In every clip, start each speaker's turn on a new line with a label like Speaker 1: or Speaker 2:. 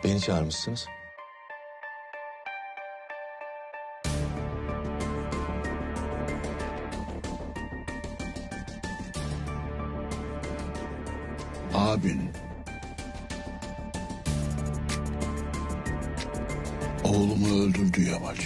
Speaker 1: Beni çağırmışsınız.
Speaker 2: Abin oğlumu öldürdü Yamaç.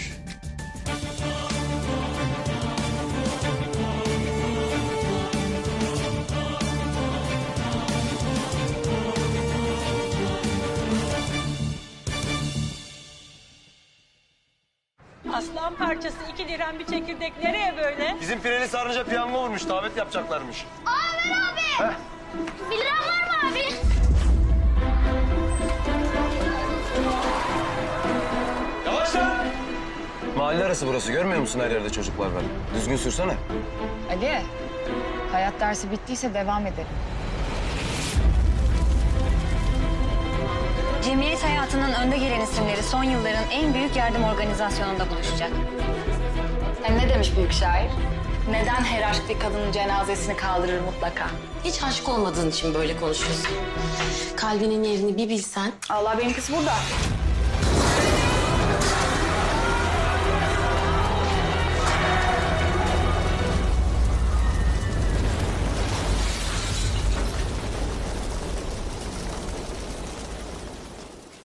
Speaker 3: Aslan parçası 2 liram bir çekirdek nereye böyle?
Speaker 4: Bizim Pireli Sarnıca piyango vurmuş, davet yapacaklarmış.
Speaker 5: Abi! 1 liram var mı abi?
Speaker 4: Yavaş lan! Mahalle arası burası, görmüyor musun her yerde çocuklar var? Düzgün sürsene.
Speaker 6: Ali, hayat dersi bittiyse devam edelim.
Speaker 7: Cemiyet hayatının önde gelen isimleri son yılların en büyük yardım organizasyonunda buluşacak.
Speaker 6: Hem ne demiş büyük şair? Neden her aşk bir kadının cenazesini kaldırır mutlaka?
Speaker 8: Hiç aşık olmadığın için böyle konuşuyorsun. Kalbinin yerini bir bilsen.
Speaker 6: Allah benimkisi burada.